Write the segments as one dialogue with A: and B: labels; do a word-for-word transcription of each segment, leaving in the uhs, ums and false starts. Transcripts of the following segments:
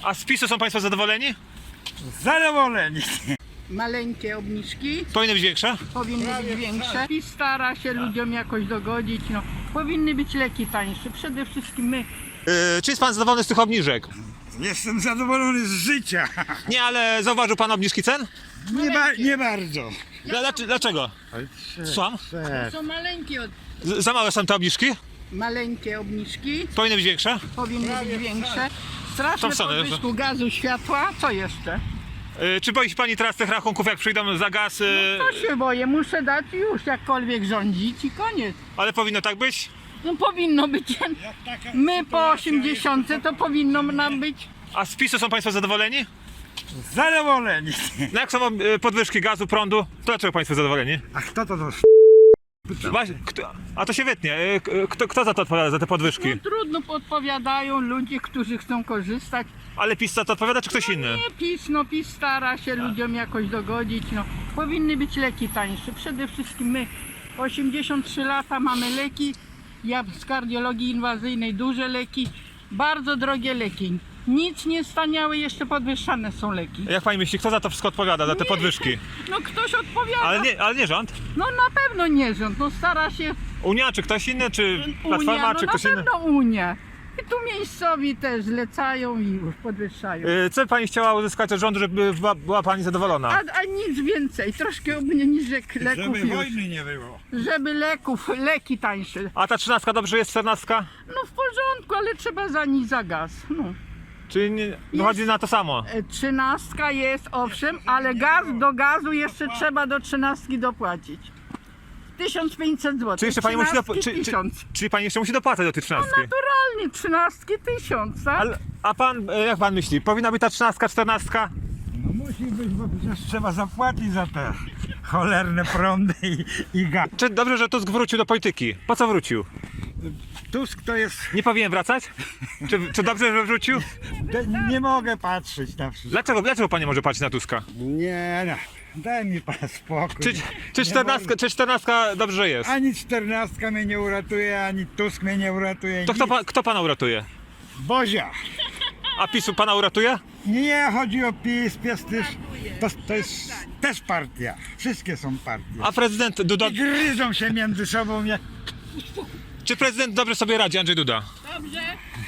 A: A z PiSu są Państwo zadowoleni?
B: Zadowoleni.
C: Maleńkie obniżki,
A: Powinny być większe?
C: powinny być większe i stara się ludziom jakoś dogodzić. No, powinny być leki tańsze. Przede wszystkim my.
A: Yy, czy jest Pan zadowolony z tych obniżek?
B: Jestem zadowolony z życia.
A: Nie, ale zauważył Pan obniżki cen?
B: Nie, ba nie bardzo.
A: Dla, dlac- dlaczego? Słucham?
C: To są maleńkie, od...
A: Z- Za małe są te obniżki?
C: maleńkie obniżki,
A: Powinny być większe?
C: powinny być większe. Straszne
A: To wcale,
C: podwyżku gazu, światła. Co jeszcze?
A: Yy, czy boi się Pani teraz tych rachunków, jak przyjdą za gaz? Yy,
C: To się boję, muszę dać już jakkolwiek rządzić i koniec.
A: ale powinno tak być?
C: No powinno być. My po osiemdziesiątce to powinno nam być.
A: A z PiSu są Państwo zadowoleni?
B: Zadowoleni.
A: No jak są yy, podwyżki gazu, prądu, to dlaczego Państwo zadowoleni?
B: A kto to to?
A: Właśnie, kto, a to się wytnie. Yy, k- kto, kto za to odpowiada, za te podwyżki?
C: No trudno podpowiadają ludzie, którzy chcą korzystać.
A: Ale PiS za to odpowiada, czy ktoś inny?
C: Nie PiS, no PiS stara się ludziom jakoś dogodzić. No, powinny być leki tańsze. Przede wszystkim my osiemdziesiąt trzy lata mamy leki. Ja z kardiologii inwazyjnej duże leki, bardzo drogie leki. Nic nie staniały, jeszcze podwyższane są leki.
A: Jak Pani myśli, kto za to wszystko odpowiada, za te podwyżki?
C: No ktoś odpowiada.
A: Ale nie, ale nie rząd?
C: No na pewno nie rząd, no stara się
A: Unia, czy ktoś inny, czy Platforma,
C: Unia, no
A: czy
C: na
A: ktoś inny?
C: pewno Unia. I tu miejscowi też zlecają i już podwyższają.
A: Yy, Co Pani chciała uzyskać od rządu, żeby była, była Pani zadowolona?
C: A, a nic więcej, troszkę obniżek leków
B: Żeby
C: już.
B: wojny nie było.
C: Żeby leków, leki tańsze.
A: A ta trzynastka dobrze jest, czternastka?
C: No w porządku, ale trzeba za nic za gaz. No.
A: Czyli nie, wychodzi na to samo?
C: E, Trzynastka jest owszem, ale gaz do gazu jeszcze trzeba do trzynastki dopłacić. tysiąc pięćset złotych.
A: Czy jeszcze Pani musi, dop- czy, czy,
C: tysiąc.
A: czyli Pani jeszcze musi dopłacać do tej trzynastki?
C: Naturalnie trzynastki tysiąc, tak?
A: Ale, a Pan, e, jak Pan myśli, powinna być ta trzynastka, czternastka?
B: No musi być, bo przecież trzeba zapłacić za te cholerne prądy i, i gaz.
A: Czy dobrze, że Tusk wrócił do polityki? Po co wrócił?
B: Tusk to jest...
A: Nie powinien wracać? Czy, czy dobrze, że wrócił?
B: De- Nie mogę patrzeć na wszystko.
A: Dlaczego, dlaczego Pan nie może patrzeć na Tuska?
B: Nie, no. Daj mi pan spokój.
A: Czy, czy,
B: Nie
A: czternastka, czy czternastka dobrze że jest?
B: Ani czternastka mnie nie uratuje, ani Tusk mnie nie uratuje.
A: To kto,
B: nic.
A: pa, kto Pana uratuje?
B: Bozia.
A: A PiSu Pana uratuje?
B: Nie chodzi o PiS, PiS też, to, to jest też partia. Wszystkie są partie.
A: A prezydent Duda...
B: I gryzą się między sobą jak...
A: Czy prezydent dobrze sobie radzi, Andrzej Duda?
C: Dobrze,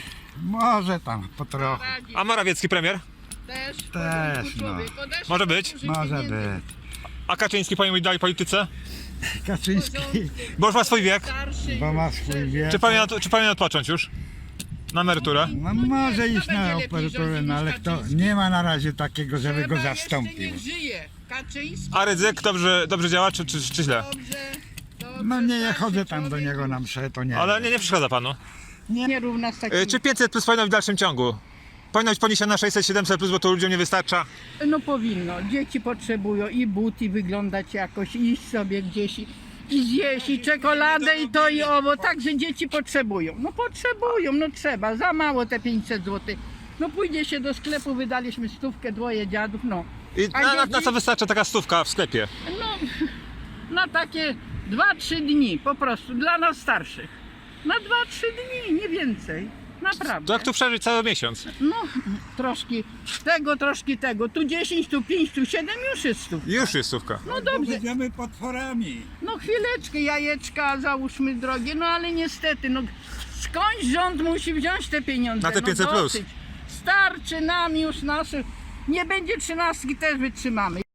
B: Może tam po trochu.
C: radzi.
A: A Morawiecki premier?
C: Też,
B: Też, no.
A: Może być?
B: Może być.
A: A Kaczyński powinien być dalej w polityce?
B: Kaczyński,
A: Bo już ma swój wiek.
B: bo ma swój wiek.
A: Czy powinien, czy powinien odpocząć już? Na emeryturę?
B: No może iść na
C: będzie lepiej
B: emeryturę,
C: rządzić
B: no
C: niż
B: ale kto,
C: Kaczyński.
B: nie ma na razie takiego, żeby go
C: Trzeba jeszcze
B: zastąpił.
C: niech żyje. Kaczyński
A: A Rydzyk dobrze, dobrze działa, czy, czy, czy źle?
C: dobrze, dobrze.
B: No nie, nie
C: starszy
B: chodzę tam do
C: człowiek.
B: niego na mszę, to nie.
A: Ale nie, nie przeszkadza Panu.
C: Nie równa z takim.
A: Y, Czy pięćset plus powinno być w dalszym ciągu? Powinno być poniesione na sześćset, siedemset plus, bo to ludziom nie wystarcza.
C: No powinno. Dzieci potrzebują i but, i wyglądać jakoś, i iść sobie gdzieś i, i zjeść, i czekoladę, i to, i owo. Także dzieci potrzebują. No potrzebują, no trzeba. Za mało te pięćset złotych. No pójdzie się do sklepu, wydaliśmy stówkę, dwoje dziadów, no.
A: I
C: A
A: na, na, na
C: dzieci?
A: co wystarcza taka stówka w sklepie?
C: No, na takie dwa trzy dni po prostu, dla nas starszych. Na dwa trzy dni, nie więcej. Naprawdę.
A: To jak tu przeżyć cały miesiąc?
C: No, troszkę tego, troszkę tego. Tu dziesięć, tu pięć, tu siedem, już jest stów.
A: Już jest stówka.
C: No dobrze.
B: Będziemy potworami.
C: No chwileczkę, jajeczka załóżmy drogie, no ale niestety, no skądś rząd musi wziąć te pieniądze.
A: Na te
C: no,
A: pięćset plus.
C: dosyć. Starczy nam już naszych. Nie będzie trzynastki, też wytrzymamy.